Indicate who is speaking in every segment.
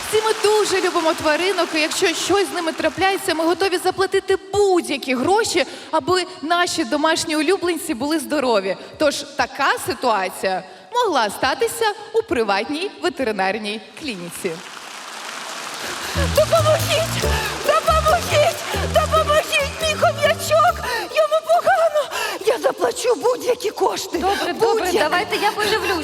Speaker 1: Всі ми дуже любимо тваринок, і якщо щось з ними трапляється, ми готові заплатити будь-які гроші, аби наші домашні улюбленці були здорові. Тож така ситуація могла статися у приватній ветеринарній клініці.
Speaker 2: Допоможіть! Допоможіть! Допоможіть! Мій хом'ячок! Йому погано! Я заплачу будь-які кошти!
Speaker 3: Добре, давайте я подивлюсь.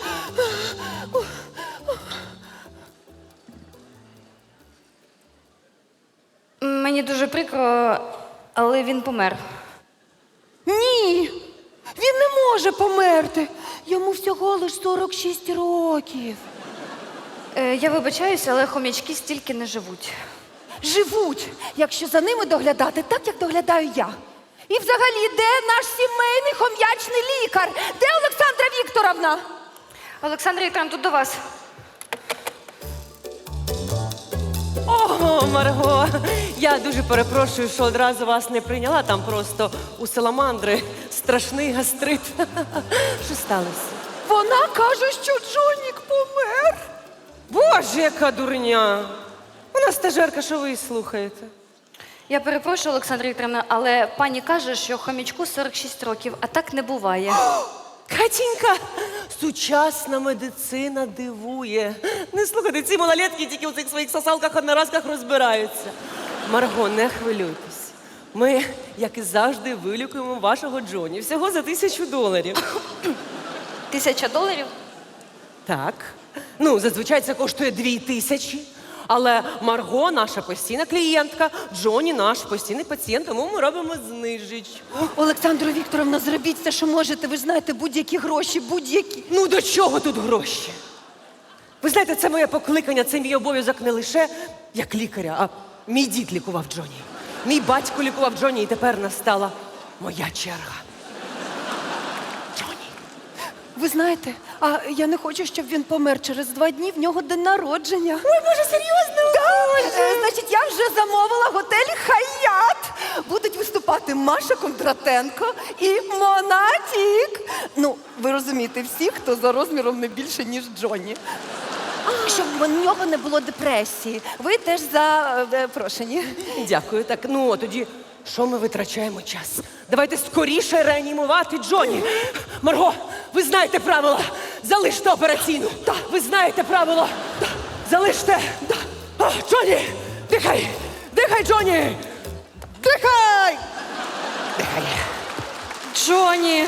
Speaker 3: Мені дуже прикро, але він помер.
Speaker 2: Ні! Він не може померти! Йому всього лиш 46 років.
Speaker 3: Я вибачаюся, але хомячки стільки не живуть.
Speaker 2: Живуть, якщо за ними доглядати так, як доглядаю я. І взагалі, де наш сімейний хом'ячний лікар? Де Олександра Вікторовна?
Speaker 3: Олександра Вікторовна, тут до вас.
Speaker 4: О, Марго, я дуже перепрошую, що одразу вас не прийняла. Там просто у саламандри страшний гастрит. Що сталося?
Speaker 2: Вона каже, що Джонік помер.
Speaker 4: Боже, яка дурня! Вона стажерка, що ви її слухаєте?
Speaker 3: Я перепрошую, Олександра Вікторовна, але пані каже, що хомячку 46 років, а так не буває.
Speaker 4: Катінька, сучасна медицина дивує. Не слухайте, ці малолетки тільки у цих своїх сосалках-одноразках розбираються. Марго, не хвилюйтесь. Ми, як і завжди, вилікуємо вашого Джоні. Всього за $1000.
Speaker 3: $1000?
Speaker 4: Так. Ну, зазвичай це коштує 2000. Але Марго наша постійна клієнтка, Джоні наш постійний пацієнт, тому ми робимо знижечку.
Speaker 2: Олександра Вікторовна, зробіть все, що можете. Ви ж знаєте, будь-які гроші, будь-які.
Speaker 4: Ну до чого тут гроші? Ви знаєте, це моє покликання, це мій обов'язок не лише як лікаря, а мій дід лікував Джоні. Мій батько лікував Джоні, і тепер настала моя черга. Джоні.
Speaker 2: Ви знаєте, а я не хочу, щоб він помер. Через 2 дні в нього день народження.
Speaker 4: Ой, Боже, серйозно?
Speaker 2: Так, значить, я вже замовила готель «Хаят». Будуть виступати Маша Кондратенко і Монатік. Ну, ви розумієте, всі, хто за розміром не більше, ніж Джонні. Щоб в нього не було депресії. Ви теж запрошені.
Speaker 4: Дякую. Так, ну, а тоді, що ми витрачаємо час? Давайте скоріше реанімувати Джоні. Марго, ви знаєте правила. Залиште операційну. Так. Ви знаєте правила. Так. Залиште. Так. А, Джоні, дихай. Дихай, Джоні. Дихай. Дихай.
Speaker 3: Джоні!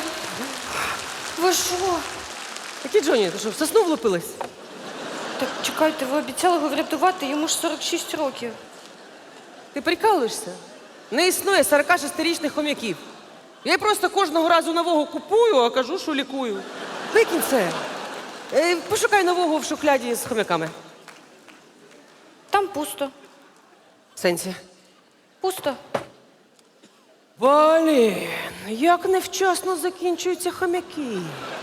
Speaker 3: Ви що?
Speaker 4: Який Джоні? Ти що, в сосну влупилась?
Speaker 3: Так чекайте, ви обіцяли його врятувати, йому ж 46 років.
Speaker 4: Ти прикалуєшся? Не існує 46-річних хом'яків. Я просто кожного разу нового купую, а кажу, що лікую. Викинь це. Пошукай нового в шухляді з хом'яками.
Speaker 3: Там пусто.
Speaker 4: В сенсі?
Speaker 3: Пусто.
Speaker 4: Блін, як невчасно закінчуються хом'яки.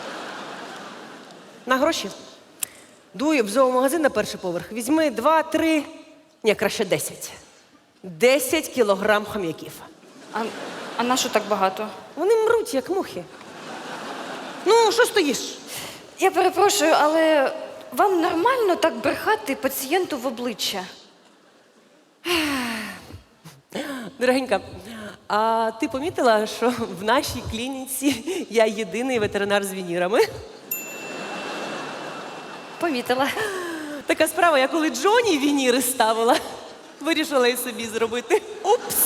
Speaker 4: На гроші? Дуй в зоомагазин на перший поверх. Візьми 2, 3, ні, краще 10. 10 кілограм хом'яків.
Speaker 3: А на що так багато?
Speaker 4: Вони мруть, як мухи. Ну, що стоїш?
Speaker 3: Я перепрошую, але вам нормально так брехати пацієнту в обличчя?
Speaker 4: Дорогенька, а ти помітила, що в нашій клініці я єдиний ветеринар з вінірами?
Speaker 3: Помітила.
Speaker 4: Така справа, я коли Джоні вініри ставила, вирішила і собі зробити. Упс!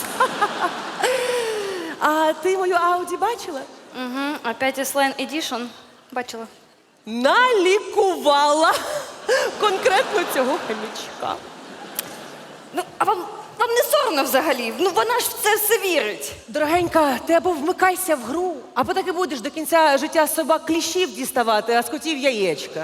Speaker 4: А ти мою Ауді бачила?
Speaker 3: Угу, опять Slane Edition. Бачила.
Speaker 4: Налікувала конкретно цього хомячка.
Speaker 3: Ну, а вам не соромно взагалі? Ну, вона ж в це все вірить.
Speaker 4: Дорогенька, ти або вмикайся в гру, або так і будеш до кінця життя з собак кліщів діставати, а з котів яєчка.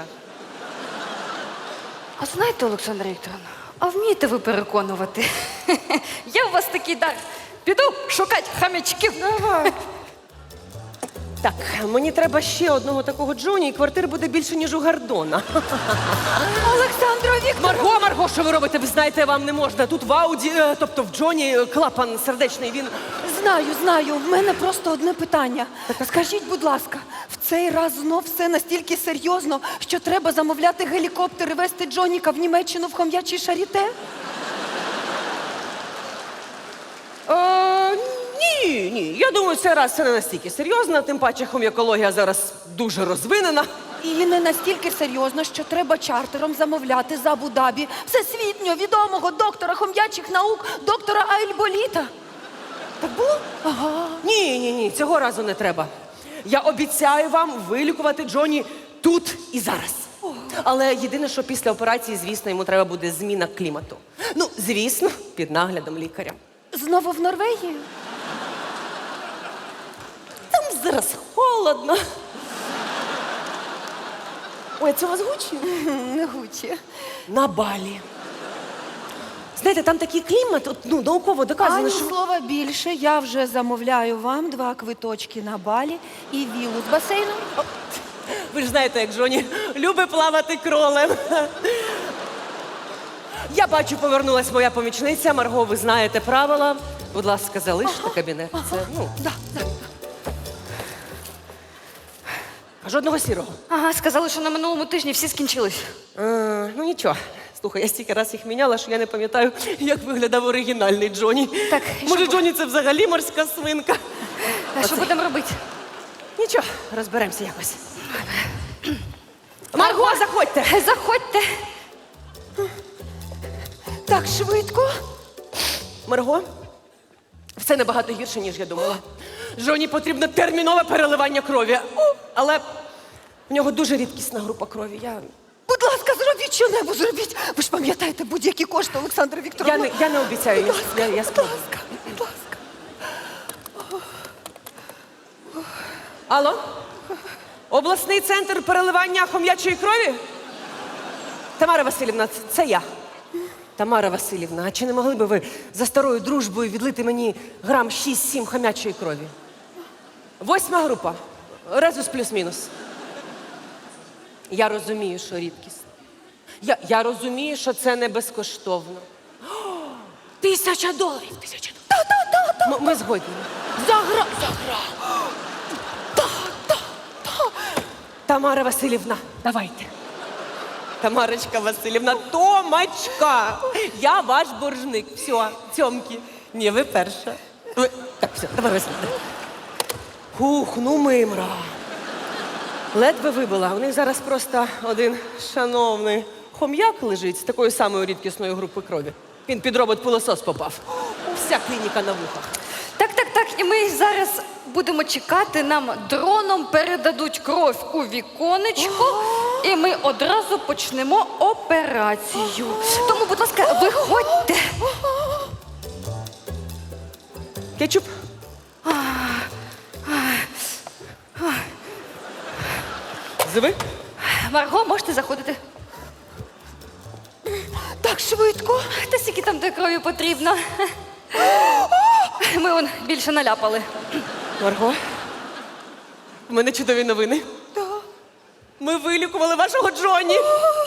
Speaker 3: А знаєте, Олександра Вікторовна, а вмієте ви переконувати? Є у вас такий дар. Піду шукати хам'ячків.
Speaker 4: Давай. Так, мені треба ще одного такого Джоні, і квартир буде більше, ніж у Гордона.
Speaker 2: Олександра Вікторовна!
Speaker 4: Марго, що ви робите? Ви знаєте, вам не можна. Тут в Ауді, тобто в Джоні клапан сердечний, він...
Speaker 2: Знаю. В мене просто одне питання. Скажіть, будь ласка, в цей раз знов все настільки серйозно, що треба замовляти гелікоптер і везти Джоніка в Німеччину в хом'ячий шаріте?
Speaker 4: Ні. Я думаю, цей раз це не настільки серйозно, тим паче хом'якологія зараз дуже розвинена.
Speaker 2: І не настільки серйозно, що треба чартером замовляти з Абу-Дабі всесвітньо відомого доктора хом'ячих наук, доктора Айльболіта. Так було? Ага.
Speaker 4: Ні, цього разу не треба. Я обіцяю вам вилікувати Джоні тут і зараз. Але єдине, що після операції, звісно, йому треба буде зміна клімату. Ну, звісно, під наглядом лікаря.
Speaker 2: Знову в Норвегію?
Speaker 4: Там зараз холодно. Ой, це у вас Гучі?
Speaker 2: Не Гучі.
Speaker 4: На Балі. Знаєте, там такий клімат, науково доказано,
Speaker 2: Ані
Speaker 4: що...
Speaker 2: слова більше, я вже замовляю вам 2 квиточки на Балі і вілу з басейном.
Speaker 4: Ви ж знаєте, як Джоні любить плавати кролем. Я бачу, повернулась моя помічниця. Марго, ви знаєте правила. Будь ласка, залиште кабінет. Це,
Speaker 2: Да.
Speaker 4: жодного сірого.
Speaker 3: Ага, сказали, що на минулому тижні всі скінчились.
Speaker 4: Ну нічого. Слухай, я стільки раз їх міняла, що я не пам'ятаю, як виглядав оригінальний Джоні.
Speaker 3: Так,
Speaker 4: Може, Джоні це взагалі морська свинка?
Speaker 3: А що будемо робити?
Speaker 4: Нічого, розберемося якось. Марго, заходьте!
Speaker 3: Заходьте.
Speaker 2: Так швидко?
Speaker 4: Марго, все набагато гірше, ніж я думала. Джоні потрібно термінове переливання крові. Але в нього дуже рідкісна група крові.
Speaker 2: Будь ласка, зробіть що-небудь, зробіть. Ви ж пам'ятаєте будь-які кошти, Олександра Вікторовна.
Speaker 4: Я не обіцяю. Я
Speaker 2: Будь
Speaker 4: спробую.
Speaker 2: ласка, будь ласка.
Speaker 4: Алло? Обласний центр переливання хом'ячої крові? Тамара Васильівна, це я. Тамара Васильівна, а чи не могли би ви за старою дружбою відлити мені грам 6-7 хом'ячої крові? 8 група. Резус плюс-мінус. Я розумію, що рідкість. Я розумію, що це не безкоштовно. $1000! $1000. Ми згодні.
Speaker 2: Загра.
Speaker 4: Тамара Васильівна, давайте. Тамарочка Васильівна, Томочка, я ваш боржник. Все, цьомки. Ні, ви перша. Так, все, Тамара Васильівна. Хух, ну мимра. Ледве вибила. У них зараз просто один шановний хом'як лежить з такою самою рідкісною групою крові. Він під робот-пилосос попав. Вся клініка на вухах.
Speaker 3: Так. І ми зараз будемо чекати, нам дроном передадуть кров у віконечко, і ми одразу почнемо операцію. Тому, будь ласка, виходьте.
Speaker 4: Кетчуп? Зиви?
Speaker 3: Марго, можете заходити.
Speaker 2: Так швидко.
Speaker 3: Та скільки там тої крові потрібно. Ми вон більше наляпали.
Speaker 4: Марго, в мене чудові новини. Ми вилікували вашого Джоні.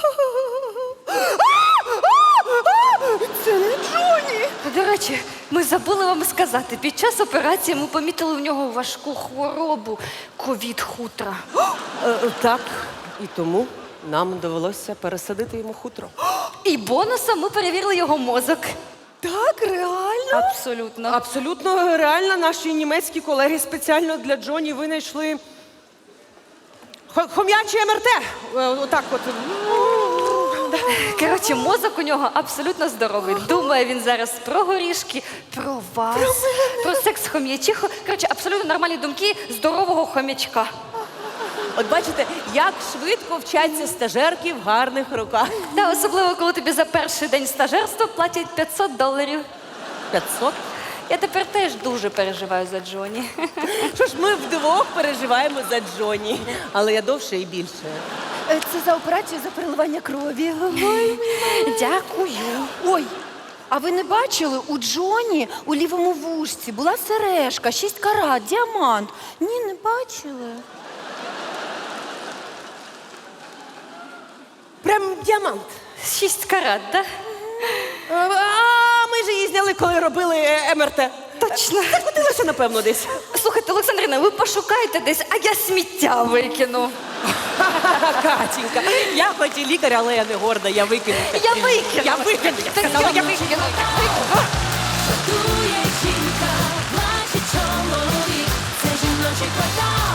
Speaker 2: Це не Джоні.
Speaker 3: До речі, ми забули вам сказати, під час операції ми помітили в нього важку хворобу – ковід-хутра.
Speaker 4: Так, і тому нам довелося пересадити йому хутро.
Speaker 3: І бонусом ми перевірили його мозок.
Speaker 2: Так, реально?
Speaker 3: Абсолютно.
Speaker 4: Абсолютно реально, наші німецькі колеги спеціально для Джоні винайшли хом'яче МРТ. Отак от.
Speaker 3: Коротше, мозок у нього абсолютно здоровий. Думає він зараз про горішки, про вас, про секс хом'ячиху. Коротше, абсолютно нормальні думки здорового хом'ячка.
Speaker 4: От бачите, як швидко вчаться стажерки в гарних руках.
Speaker 3: Та особливо, коли тобі за перший день стажерства платять $500.
Speaker 4: 500?
Speaker 3: Я тепер теж дуже переживаю за Джоні.
Speaker 4: Що ж, ми вдвох переживаємо за Джоні, але я довше і більше.
Speaker 2: Це за операцію за переливання крові. Ой.
Speaker 3: Дякую.
Speaker 2: Ой, а ви не бачили, у Джоні у лівому вушці була сережка, 6 карат, діамант. Ні, не бачили.
Speaker 4: Прям діамант.
Speaker 3: 6 карат, так?
Speaker 4: А ми ж її зняли, коли робили МРТ.
Speaker 3: Та точно.
Speaker 4: Закотилася, напевно, десь.
Speaker 3: Слухайте, Олександрина, ви пошукайте десь, а я сміття викину.
Speaker 4: Катінька, я хоч і лікар, але я не горда, я викину.
Speaker 3: Я викину.
Speaker 4: Я викину, я
Speaker 3: Та
Speaker 4: сказала, я
Speaker 3: я
Speaker 4: викину.
Speaker 3: викину.
Speaker 5: Шокує жінка, плаче чоловік, це жіночий квартал.